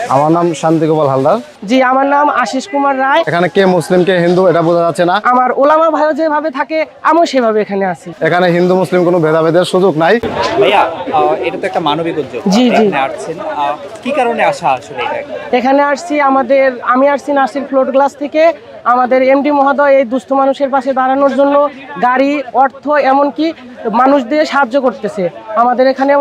আমার নাম শান্তি গোপাল হালদার। জি, আমার নাম আশিস কুমার রায়। এখানে কে মুসলিম কে হিন্দু এটা বোঝা যাচ্ছে না। আমার ওলামা ভাইও যেভাবে থাকে আমিও সেভাবে এখানে আছি। এখানে হিন্দু মুসলিম কোনো ভেদাভেদের সুযোগ নাই। ভাইয়া, এটা তো একটা মানবিক উদ্যোগ। জি, জি। এখানে আসছেন কি কারণে আসা আসলে এটা? এখানে আসছি আমি আসছি নাসির ফ্লোট গ্লাস থেকে। আমাদের এমডি মহোদয় এই দুস্থ মানুষের পাশে দাঁড়ানোর জন্য গাড়ি, অর্থ, এমনকি মানুষ দিয়ে সাহায্য করতেছে। আমাদের এখানে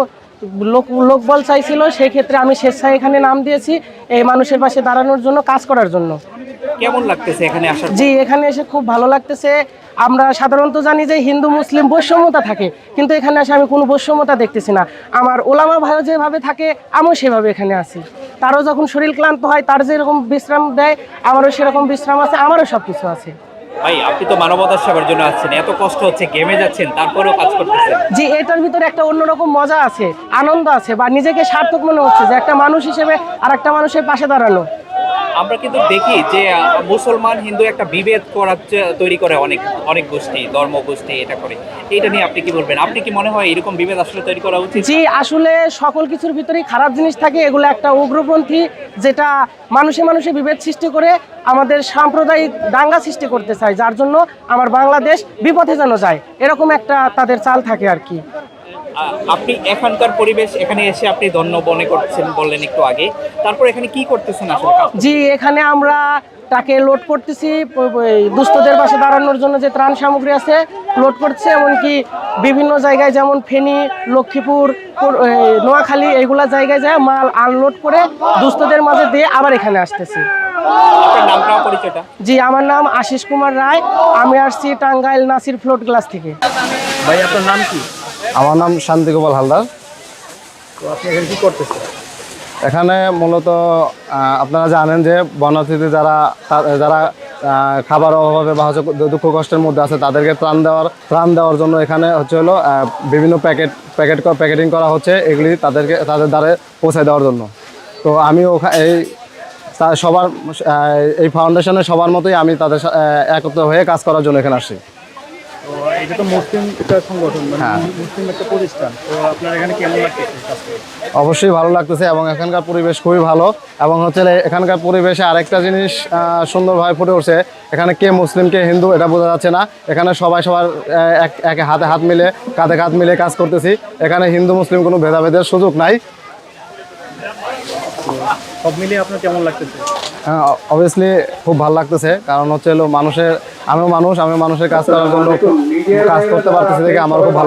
লোকবল চাইছিল, সেই ক্ষেত্রে আমি স্বেচ্ছায় এখানে নাম দিয়েছি এই মানুষের পাশে দাঁড়ানোর জন্য, কাজ করার জন্য। কেমন লাগতেছে এখানে আসার? জি, এখানে এসে খুব ভালো লাগতেছে। আমরা সাধারণত জানি যে হিন্দু মুসলিম বৈষম্যতা থাকে, কিন্তু এখানে এসে আমি কোনো বৈষম্যতা দেখতেছি না। আমার ওলামা ভাইও যেভাবে থাকে আমিও সেভাবে এখানে আছি। তারও যখন শরীর ক্লান্ত হয়, তার যেরকম বিশ্রাম দেয় আমারও সেরকম বিশ্রাম আছে, আমারও সব কিছু আছে। ভাই, আপনি তো মানবতার সেবার জন্য আসছেন, এত কষ্ট হচ্ছে, ঘেমে যাচ্ছেন, তারপরেও কাজ করতেছেন। জি, এটার ভিতরে একটা অন্যরকম মজা আছে, আনন্দ আছে, বা নিজেকে সার্থক মনে হচ্ছে যে একটা মানুষ হিসেবে আর একটা মানুষের পাশে দাঁড়ানো। আমরা কিন্তু দেখি যে মুসলমান হিন্দু একটা বিভেদ তৈরি করে অনেক অনেক গোষ্ঠী, ধর্ম গোষ্ঠী এটা করে। এটা নিয়ে আপনি কি বলবেন? আপনি কি মনে হয় এরকম বিভেদ আসলে তৈরি করা উচিত? জি, আসলে সকল কিছুর ভিতরেই খারাপ জিনিস থাকে। এগুলো একটা উগ্রপন্থী, যেটা মানুষে মানুষে বিভেদ সৃষ্টি করে আমাদের সাম্প্রদায়িক দাঙ্গা সৃষ্টি করতে চায়, যার জন্য আমার বাংলাদেশ বিপথে যেন যায়, এরকম একটা তাদের চাল থাকে আর কি। আপনি এখানকার পরিবেশ, এখানে এসে আপনি ধন্য মনে করছেন বললেন একটু আগে, তারপর এখানে কি করতেছেন আসলে? জি, এখানে আমরা তাকে লোড করতেছি, দুস্থদের পাশে দাঁড়ানোর জন্য যে ত্রাণ সামগ্রী আছে লোড করছে। এমনকি বিভিন্ন জায়গায় যেমন ফেনী, লক্ষ্মীপুর, নোয়াখালী এইগুলা জায়গায় যায় মাল আনলোড করে দুস্থদের মাঝে দিয়ে আবার এখানে আসতেছি। আপনার নামটা, পরিচয়টা? জি, আমার নাম আশিস কুমার রায়। আমি আসছি টাঙ্গাইল নাসির ফ্লোট গ্লাস থেকে। ভাই, আপনার নাম কি? আমার নাম শান্তি গোপাল হালদার। তো আপনি এখানে কি করতেছেন? এখানে মূলত আপনারা জানেন যে বনার্থীতে যারা খাবার অভাবে বা হচ্ছে দুঃখ কষ্টের মধ্যে আছে তাদেরকে ত্রাণ দেওয়ার জন্য এখানে হচ্ছে হলো বিভিন্ন প্যাকেটিং করা হচ্ছে, এগুলি তাদের দ্বারে পৌঁছে দেওয়ার জন্য। তো আমি এই ফাউন্ডেশনের সবার মতোই আমি তাদের একত্র হয়ে কাজ করার জন্য এখানে আসছি। এটা তো মুসলিম একটা সংগঠন, মানে হ্যাঁ। মুসলিম একটা প্রতিষ্ঠান। তো আপনার এখানে কেমন লাগতেছে কাজ করে? অবশ্যই ভালো লাগতেছে এবং এখানকার পরিবেশ খুবই ভালো। এবং হচ্ছে এখানকার পরিবেশে আরেকটা জিনিস সুন্দরভাবে ফুটে উঠছে, এখানে কে মুসলিম কে হিন্দু এটা বোঝা যাচ্ছে না। এখানে সবার এক হাতে হাত মিলে, কাঁধে কাঁধ মিলে কাজ করতেছি। এখানে হিন্দু মুসলিম কোনো ভেদাভেদের সুযোগ নাই। সব মিলিয়ে আপনার কেমন লাগতেছে? অবভিয়াসলি খুব ভালো লাগতেছে, কারণ হচ্ছে হলো আমিও মানুষের কাজ করার জন্য কাজ করতে পারতেছি দেখে আমার খুব ভালো